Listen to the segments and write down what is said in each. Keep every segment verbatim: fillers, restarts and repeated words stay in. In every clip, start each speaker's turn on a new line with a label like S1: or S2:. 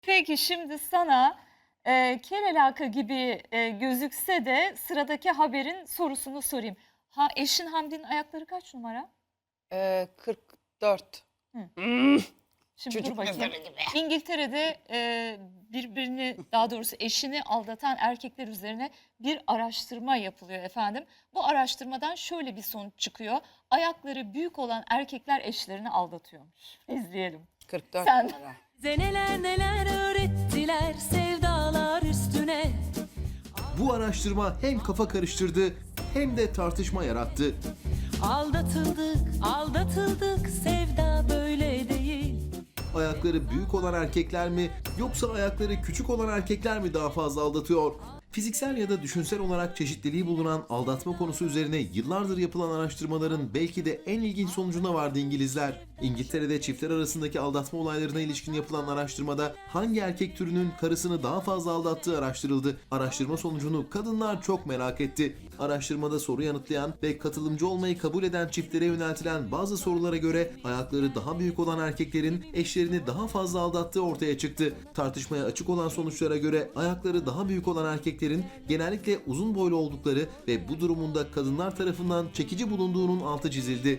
S1: Peki şimdi sana e, kel alaka gibi e, gözükse de sıradaki haberin sorusunu sorayım. Ha, eşin Hamdi'nin ayakları kaç numara?
S2: Ee, kırk dört.
S1: Hı.
S2: Hmm,
S1: Şimdi
S2: Çocuk
S1: dur bakayım.
S2: mezarı gibi.
S1: İngiltere'de e, birbirini daha doğrusu eşini aldatan erkekler üzerine bir araştırma yapılıyor efendim. Bu araştırmadan şöyle bir sonuç çıkıyor. Ayakları büyük olan erkekler eşlerini aldatıyormuş. İzleyelim.
S2: kırk dört
S1: Sen-
S2: numara.
S3: Bize neler neler öğrettiler sevdalar üstüne.
S4: Bu araştırma hem kafa karıştırdı hem de tartışma yarattı.
S3: Aldatıldık, aldatıldık, sevda böyle değil.
S4: Ayakları büyük olan erkekler mi yoksa ayakları küçük olan erkekler mi daha fazla aldatıyor? Fiziksel ya da düşünsel olarak çeşitliliği bulunan aldatma konusu üzerine yıllardır yapılan araştırmaların belki de en ilginç sonucuna vardı İngilizler. İngiltere'de çiftler arasındaki aldatma olaylarına ilişkin yapılan araştırmada hangi erkek türünün karısını daha fazla aldattığı araştırıldı. Araştırma sonucunu kadınlar çok merak etti. Araştırmada soru yanıtlayan ve katılımcı olmayı kabul eden çiftlere yöneltilen bazı sorulara göre ayakları daha büyük olan erkeklerin eşlerini daha fazla aldattığı ortaya çıktı. Tartışmaya açık olan sonuçlara göre ayakları daha büyük olan erkeklerin genellikle uzun boylu oldukları ve bu durumunda kadınlar tarafından çekici bulunduğunun altı çizildi.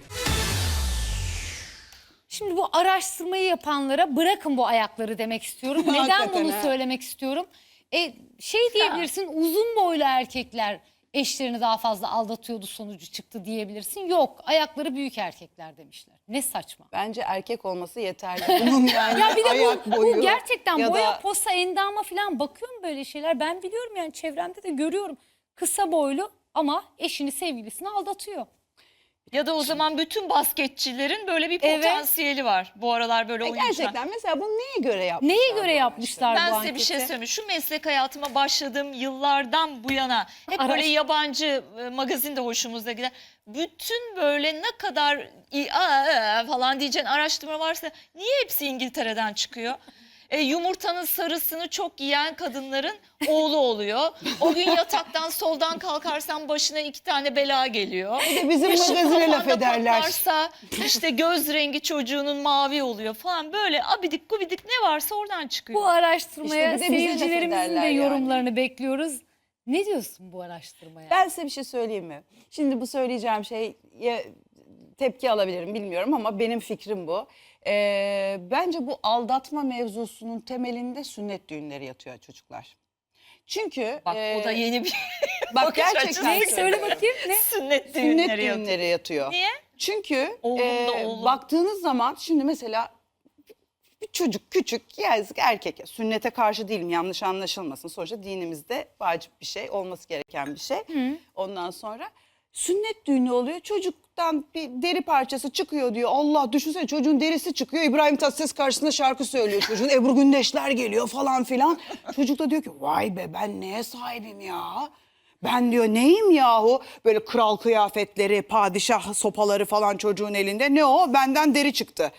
S5: Şimdi bu araştırmayı yapanlara bırakın bu ayakları demek istiyorum. Neden
S2: Hakikaten
S5: bunu
S2: ha.
S5: söylemek istiyorum? E, şey diyebilirsin, uzun boylu erkekler eşlerini daha fazla aldatıyordu sonucu çıktı diyebilirsin. Yok, ayakları büyük erkekler demişler. Ne saçma.
S2: Bence erkek olması yeterli. Bunun yani
S5: Ya bir de
S2: ayak
S5: bu,
S2: boyu.
S5: bu gerçekten
S2: ya
S5: boya
S2: da
S5: posa endama falan bakıyorum böyle şeyler. Ben biliyorum yani çevremde de görüyorum. Kısa boylu ama eşini sevgilisini aldatıyor.
S1: Ya da o zaman bütün basketçilerin böyle bir
S5: Evet.
S1: potansiyeli var. Bu aralar böyle
S2: E,
S1: oyuncular.
S2: gerçekten mesela bunu neye göre yapmışlar?
S5: Neye göre
S2: bu
S5: yapmışlar
S1: Ben
S5: bu
S1: size bir şey
S5: anketi?
S1: söyleyeyim. Şu meslek hayatıma başladığım yıllardan bu yana hep
S5: Araş-
S1: böyle yabancı e, magazin de hoşumuza gider. Bütün böyle ne kadar i- aa, aa falan diyeceğin araştırma varsa niye hepsi İngiltere'den çıkıyor? E, yumurtanın sarısını çok yiyen kadınların oğlu oluyor. O gün yataktan soldan kalkarsan başına iki tane bela geliyor.
S2: Bir de bizim
S1: Işık
S2: magazine laf
S1: kafanda
S2: ederler.
S1: patlarsa işte göz rengi çocuğunun mavi oluyor falan. Böyle abidik gubidik ne varsa oradan çıkıyor.
S5: Bu araştırmaya
S2: İşte bir de bize laf
S5: seyircilerimizin de
S2: ederler yani.
S5: yorumlarını bekliyoruz. Ne diyorsun bu araştırmaya?
S2: Ben size bir şey söyleyeyim mi? Şimdi bu söyleyeceğim şey tepki alabilirim bilmiyorum ama benim fikrim bu. Ee, bence bu aldatma mevzusunun temelinde sünnet düğünleri yatıyor çocuklar. Çünkü
S1: Bak o da
S2: e,
S1: yeni bir
S2: bak
S1: bakış
S2: gerçekten
S1: açısı.
S5: Ne? Söyle
S2: söylüyorum.
S5: bakayım ne?
S1: sünnet
S2: Sünnet
S1: düğünleri yapıyor.
S2: düğünleri yatıyor.
S1: Niye?
S2: Çünkü
S1: Oğlum
S2: e,
S1: da oğlum.
S2: baktığınız zaman şimdi mesela bir çocuk küçük yazık erkek sünnete karşı değilim yanlış anlaşılmasın. Sonuçta dinimizde vacip bir şey olması gereken bir şey. Ondan sonra sünnet düğünü oluyor çocuktan bir deri parçası çıkıyor diyor. Allah düşünsene çocuğun derisi çıkıyor İbrahim Tatlıses karşısında şarkı söylüyor çocuğun Ebru Gündeşler geliyor falan filan. Çocuk da diyor ki vay be ben neye sahibim ya. Ben diyor neyim yahu böyle kral kıyafetleri padişah sopaları falan çocuğun elinde ne o benden deri çıktı.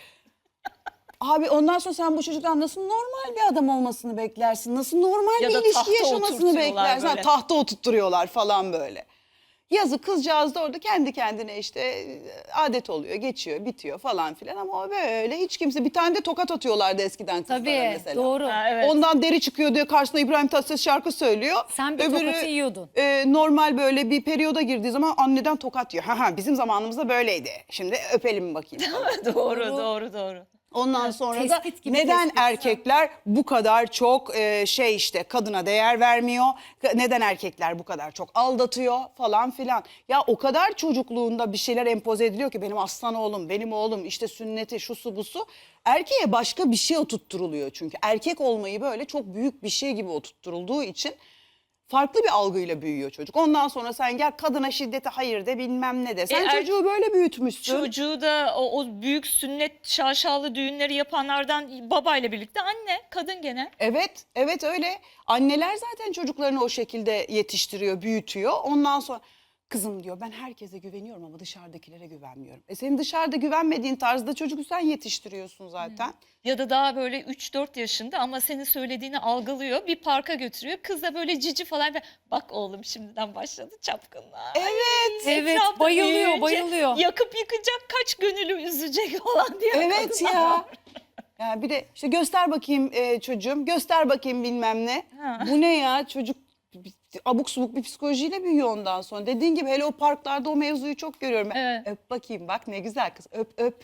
S2: Abi ondan sonra sen bu çocuktan nasıl normal bir adam olmasını beklersin? Nasıl normal
S1: Ya
S2: bir
S1: da
S2: ilişki
S1: tahta
S2: yaşamasını
S1: oturtuyorlar
S2: beklersin? Ha,
S1: böyle.
S2: tahta oturtturuyorlar falan böyle. Yazı kızcağız da orada kendi kendine işte e, adet oluyor, geçiyor, bitiyor falan filan ama o böyle hiç kimse bir tane de tokat atıyorlardı eskiden kızlara
S5: Tabii
S2: mesela.
S5: doğru.
S1: Ha, evet.
S2: Ondan deri çıkıyor diyor karşısında İbrahim Tatlıses şarkı söylüyor.
S5: Sen bir tokatı yiyordun.
S2: e, normal böyle bir periyoda girdiği zaman anneden tokat yiyor. Ha ha bizim zamanımızda böyleydi. Şimdi öpelim bakayım.
S1: doğru doğru doğru.
S2: Ondan sonra da
S5: tespit gibi
S2: neden
S5: tespit.
S2: erkekler bu kadar çok e, şey işte kadına değer vermiyor? Neden erkekler bu kadar çok aldatıyor falan filan? Ya o kadar çocukluğunda bir şeyler empoze ediliyor ki benim aslan oğlum, benim oğlum işte sünneti şusu busu. Erkeğe başka bir şey oturtturuluyor çünkü. Erkek olmayı böyle çok büyük bir şey gibi oturtturulduğu için farklı bir algıyla büyüyor çocuk. Ondan sonra sen gel kadına şiddete hayır de bilmem ne de. Sen
S1: E, er-
S2: çocuğu böyle büyütmüşsün.
S1: Çocuğu da o, o büyük sünnet şaşalı düğünleri yapanlardan babayla birlikte anne, kadın gene.
S2: Evet, evet öyle. Anneler zaten çocuklarını o şekilde yetiştiriyor, büyütüyor. Ondan sonra kızım diyor ben herkese güveniyorum ama dışarıdakilere güvenmiyorum. E senin dışarıda güvenmediğin tarzda çocuğu sen yetiştiriyorsun zaten.
S1: Ya da daha böyle üç dört yaşında ama senin söylediğini algılıyor. Bir parka götürüyor. Kız da böyle cici falan. Bak oğlum şimdiden başladı çapkınlığa.
S2: Evet.
S5: Evet,
S1: Etrafta
S5: bayılıyor,
S1: büyüyünce
S5: bayılıyor.
S1: Yakıp yıkacak kaç gönülü üzecek falan diye.
S2: Evet
S1: kadınlar
S2: ya.
S1: var.
S2: Yani bir de işte göster bakayım e, çocuğum, göster bakayım bilmem ne.
S1: Ha.
S2: Bu ne ya, çocuk abuk subuk bir psikolojiyle büyüyor ondan sonra. Dediğin gibi hele o parklarda o mevzuyu çok görüyorum. Ben,
S1: Evet.
S2: öp bakayım, bak ne güzel kız, öp öp.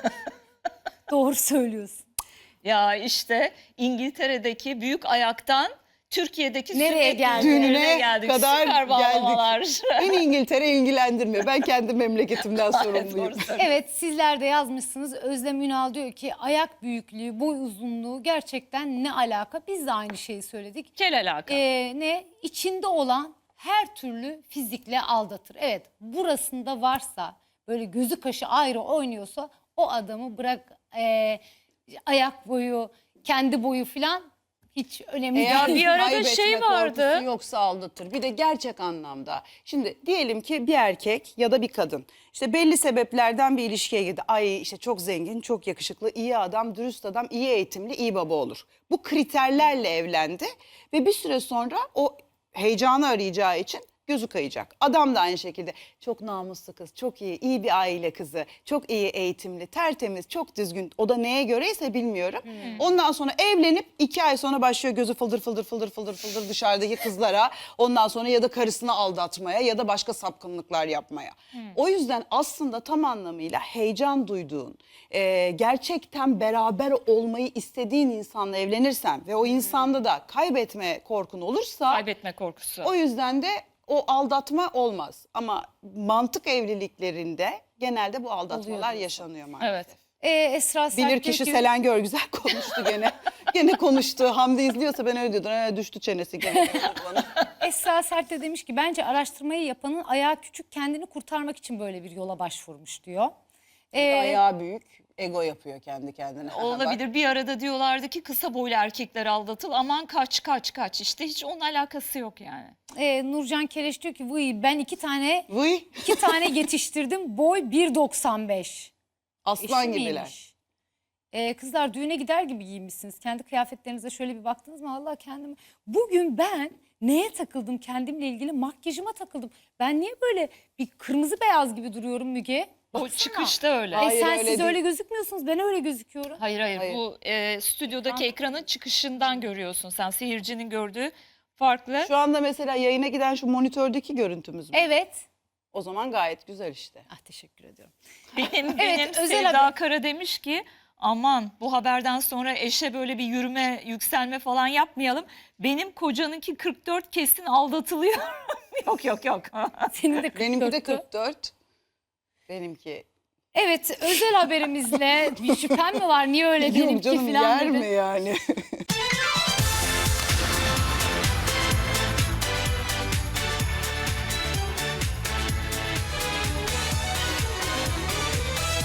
S5: Doğru söylüyorsun.
S1: Ya işte İngiltere'deki büyük ayaktan Türkiye'deki
S5: Nereye
S1: sünnet
S5: geldik?
S1: düğünlerine
S2: Düğününe
S1: geldik.
S2: kadar
S1: Süper bağlamalar.
S2: geldik. Beni İngiltere ilgilendirmiyor. Ben kendi memleketimden sorumluyum.
S1: Doğru söylüyorsun.
S5: Evet, sizler de yazmışsınız. Özlem Ünal diyor ki ayak büyüklüğü, boy uzunluğu gerçekten ne alaka? Biz de aynı şeyi söyledik.
S1: Kel alaka.
S5: Ee, ne? İçinde olan her türlü fizikle aldatır. Evet, burasında varsa böyle gözü kaşı ayrı oynuyorsa o adamı bırak e, ayak boyu, kendi boyu falan hiç önemli
S2: Eğer
S5: değil.
S1: bir arada
S2: kaybetme
S1: şey vardı.
S2: korkusu yoksa aldatır. Bir de gerçek anlamda. Şimdi diyelim ki bir erkek ya da bir kadın işte belli sebeplerden bir ilişkiye girdi. Ay işte çok zengin, çok yakışıklı, iyi adam, dürüst adam, iyi eğitimli, iyi baba olur. Bu kriterlerle evlendi ve bir süre sonra o heyecanı arayacağı için gözü kayacak. Adam da aynı şekilde çok namuslu kız, çok iyi, iyi bir aile kızı, çok iyi eğitimli, tertemiz, çok düzgün. O da neye göreyse bilmiyorum. Ondan sonra evlenip iki ay sonra başlıyor gözü fıldır fıldır fıldır fıldır fıldır dışarıdaki kızlara. Ondan sonra ya da karısını aldatmaya ya da başka sapkınlıklar yapmaya. O yüzden aslında tam anlamıyla heyecan duyduğun, e, gerçekten beraber olmayı istediğin insanla evlenirsen ve o insanda da kaybetme korkun olursa
S1: Kaybetme korkusu.
S2: o yüzden de o aldatma olmaz. Ama mantık evliliklerinde genelde bu aldatmalar
S5: Oluyor.
S2: yaşanıyor maalesef.
S1: Evet.
S5: Ee, Esra Sert
S2: Bilir kişi
S5: diyor ki-
S2: Selen Görgüzel konuştu gene. Gene konuştu. Hamdi izliyorsa ben öyle diyordum. Ee, düştü çenesi gene. bana.
S5: Esra Sert de demiş ki bence araştırmayı yapanın ayağı küçük kendini kurtarmak için böyle bir yola başvurmuş diyor. Ee,
S2: Ayağı büyük. Ego yapıyor kendi kendine. Aha, bak.
S1: Olabilir. Bir arada diyorlardı ki kısa boylu erkekler aldatıl. Aman kaç kaç kaç. İşte hiç onun alakası yok yani.
S5: e, Nurcan Keleş diyor ki vıy ben iki tane
S2: Vıy.
S5: iki tane yetiştirdim boy bir doksan beş.
S2: Aslan
S5: Eşi
S2: gibiler.
S5: miymiş? Ee, kızlar düğüne gider gibi giyinmişsiniz. Kendi kıyafetlerinize şöyle bir baktınız mı? Allah kendim. Bugün ben neye takıldım kendimle ilgili? Makyajıma takıldım. Ben niye böyle bir kırmızı beyaz gibi duruyorum Müge?
S1: O
S5: Baksana.
S1: çıkışta öyle.
S5: E
S2: Hayır,
S5: sen
S2: öyle
S5: siz
S2: değil.
S5: öyle gözükmüyorsunuz. Ben öyle gözüküyorum.
S1: Hayır hayır,
S2: Hayır.
S1: bu e, stüdyodaki ekranın çıkışından görüyorsun sen. Seyircinin gördüğü farklı.
S2: Şu anda mesela yayına giden şu monitördeki görüntümüz mü?
S5: Evet.
S2: O zaman gayet güzel işte.
S5: Ah teşekkür ediyorum.
S1: Benim, benim
S5: özel
S1: Sevda
S5: haber.
S1: Kara demiş ki aman bu haberden sonra eşe böyle bir yürüme, yükselme falan yapmayalım. Benim kocanınki kırk dört kesin aldatılıyor. yok yok yok.
S5: Senin de
S2: Benimki de
S5: kırk dörttü.
S2: kırk dört. Benimki.
S5: Evet özel haberimizle bir şüphem mi var? Niye öyle
S2: Yok
S5: benimki
S2: canım
S5: falan
S2: yer
S5: dedi.
S2: mi yani?